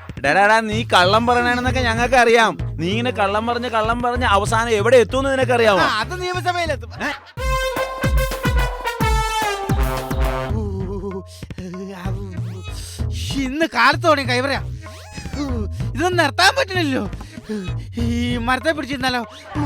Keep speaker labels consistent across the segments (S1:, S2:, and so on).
S1: ഡാടാ നീ കള്ളം പറയണെന്നൊക്കെ ഞങ്ങൾക്ക് അറിയാം. നീ ഇങ്ങനെ കള്ളം പറഞ്ഞ് അവസാനം എവിടെ എത്തുമെന്ന് നിനക്കറിയാമോ?
S2: അത് നിയമസഭയിലെത്തും. ഇന്ന് കാലത്തോടെ കൈവറയാ, ഇതൊന്നും നിർത്താൻ പറ്റണില്ലോ. ഈ മരത്തെ പിടിച്ചിരുന്നാലോ?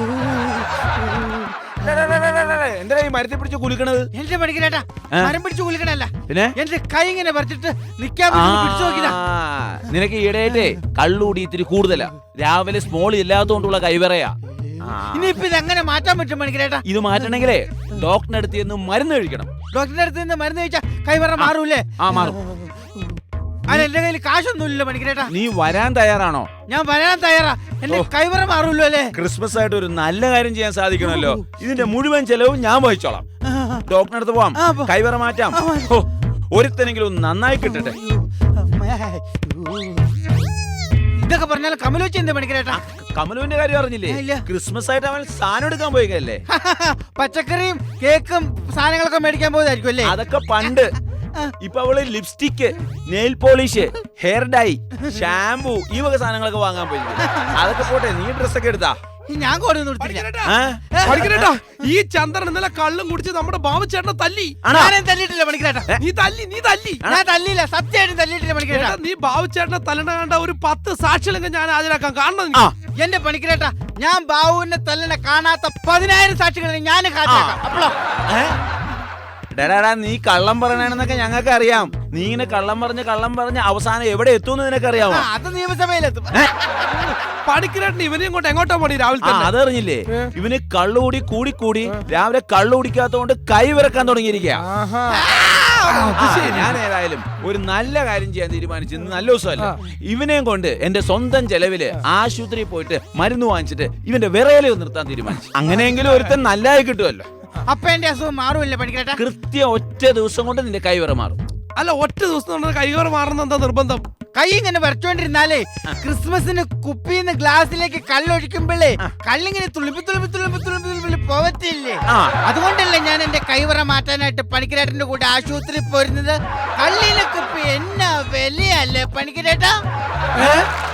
S1: എന്താ ഈ മരത്തെ പിടിച്ച് കുലുക്കണത്?
S2: എന്റെ പണിക്കരേട്ടാ, മരം പിടിച്ച് കുലുക്കണല്ല,
S1: പിന്നെ
S2: എന്റെ കൈ ഇങ്ങനെ പറിച്ചിട്ട് നിക്കാൻ പിടിച്ചു നോക്കിയതാ.
S1: നിനക്ക് ഈടായിട്ടേ കള്ളുകൂടി ഇത്തിരി കൂടുതലാ. രാവിലെ സ്മോൾ ഇല്ലാത്തതുകൊണ്ടുള്ള കൈവറയാ.
S2: ഇനിയിപ്പൊ ഇത് എങ്ങനെ മാറ്റാൻ പറ്റും പണിക്കരേട്ടാ?
S1: ഇത് മാറ്റണെങ്കിലേ ഡോക്ടറിന്റെ അടുത്ത് നിന്ന് മരുന്ന് കഴിക്കണം.
S2: ഡോക്ടറിന്റെ അടുത്ത് നിന്ന് മരുന്ന് കഴിച്ചാ കൈവറ മാറൂലേ?
S1: മാറും.
S2: അല്ല, എന്റെ കയ്യിൽ കാശൊന്നുമില്ലല്ലോ പണിക്കരേട്ടാ.
S1: നീ വരാൻ തയ്യാറാണോ?
S2: ഞാൻ വരാൻ തയ്യാറാ. എന്റെ കൈവറ മാറൂല്ലോ അല്ലേ?
S1: ക്രിസ്മസ് ആയിട്ട് ഒരു നല്ല കാര്യം ചെയ്യാൻ സാധിക്കണമല്ലോ. ഇതിന്റെ മുഴുവൻ ചെലവും ഞാൻ വഹിച്ചോളാം. ഡോക്ടറിന്റെ അടുത്ത് പോവാം, കൈവറ മാറ്റാം. ഒരുത്തനെങ്കിലും നന്നായി കിട്ടട്ടെ.
S2: ഇതൊക്കെ പറഞ്ഞാൽ കമലു വെച്ച് എന്താ പണിക്കരേട്ടാ?
S1: കമലുവിന്റെ കാര്യം അറിഞ്ഞില്ലേ? ക്രിസ്മസ് ആയിട്ട് അവൻ സാധനം എടുക്കാൻ പോയിക്കല്ലേ?
S2: പച്ചക്കറിയും കേക്കും സാധനങ്ങളൊക്കെ മേടിക്കാൻ പോയതായിരിക്കും അല്ലേ?
S1: അതൊക്കെ പണ്ട്. ഇപ്പൊ അവള് lipstick, nail polish, hair dye, shampoo ഈ വക സാധനങ്ങളൊക്കെ വാങ്ങാൻ പോയി. അതൊക്കെ പോട്ടെ, നീ ഡ്രസ്സൊക്കെ എടുത്താ?
S2: ഞാൻ
S3: പണിക്കരേട്ടാ, ഈ ചന്ദ്രൻ ഇന്നലെ കള്ളും കുടിച്ച് നമ്മുടെ ബാബുച്ചേട്ടനെ തല്ലി.
S2: തല്ലിയിട്ടില്ല പണിക്കരേട്ടാ.
S3: നീ തല്ലി.
S2: ഞാൻ തല്ലിയില്ല, സത്യമായിട്ടും തല്ലിയിട്ടില്ല പണിക്കരേട്ടാ.
S3: നീ ബാബുച്ചേട്ടനെ തല്ലണ കണ്ട ഒരു 10 സാക്ഷികളെങ്കിൽ ഞാൻ ഹാജരാക്കാൻ കാണണം.
S2: എന്റെ പണിക്കരേട്ടാ, ഞാൻ ബാബുവിനെ തല്ലണ കാണാത്ത 10,000 സാക്ഷികളെ ഞാൻ ഹാജരാക്കാം. അപ്പോഴോ
S1: ഡാടാ നീ കള്ളം പറയണെന്നൊക്കെ ഞങ്ങൾക്ക് അറിയാം. നീ ഇങ്ങനെ കള്ളം പറഞ്ഞ് അവസാനം എവിടെ എത്തുമെന്ന് നിനക്കറിയാമോ?
S2: അത് നിയമസഭയിലെത്തും.
S3: പണിക്കരേട്ടൻ ഇവനെയും കൊണ്ട് എങ്ങോട്ടാ പോണി രാവിലെ?
S1: അതറിഞ്ഞില്ലേ? ഇവന് കള്ളുകൂടി കൂടി രാവിലെ കള്ളു കുടിക്കാത്തതുകൊണ്ട് കൈ വിറക്കാൻ തുടങ്ങിയിരിക്കുക. ഞാൻ ഏതായാലും ഒരു നല്ല കാര്യം ചെയ്യാൻ തീരുമാനിച്ചു. ഇന്ന് നല്ല ദിവസമല്ല. ഇവനെയും കൊണ്ട് എന്റെ സ്വന്തം ചെലവില് ആശുപത്രിയിൽ പോയിട്ട് മരുന്ന് വാങ്ങിച്ചിട്ട് ഇവന്റെ വിറയല് നിർത്താൻ തീരുമാനിച്ചു. അങ്ങനെയെങ്കിലും ഒരുത്തൻ നല്ലതായി കിട്ടുമല്ലോ.
S2: അപ്പൊ എന്റെ അസുഖം മാറുമല്ലേ പണിക്കരേട്ടാ?
S1: കൃത്യം ഒറ്റ ദിവസം കൊണ്ട് നിന്റെ കൈ വിറ മാറും.
S3: അല്ല, ഒറ്റ ദിവസം കൈവറ മാറുന്ന എന്താ നിർബന്ധം?
S2: കൈ ഇങ്ങനെ വരച്ചോണ്ടിരുന്നാലേ ക്രിസ്മസിന് കുപ്പിന്ന് ഗ്ലാസ്സിലേക്ക് കള്ളൊഴിക്കുമ്പോഴേ കള്ളിങ്ങനെ തുളുമ്പി പോവത്തില്ലേ? അതുകൊണ്ടല്ലേ ഞാൻ എന്റെ കൈവറ മാറ്റാനായിട്ട് പണിക്കരേട്ടന്റെ കൂടെ ആശുപത്രിയിൽ പോരുന്നത്. കള്ളിലെ കുപ്പി എന്നാ വിലയല്ലേ പണിക്കരേട്ടാ?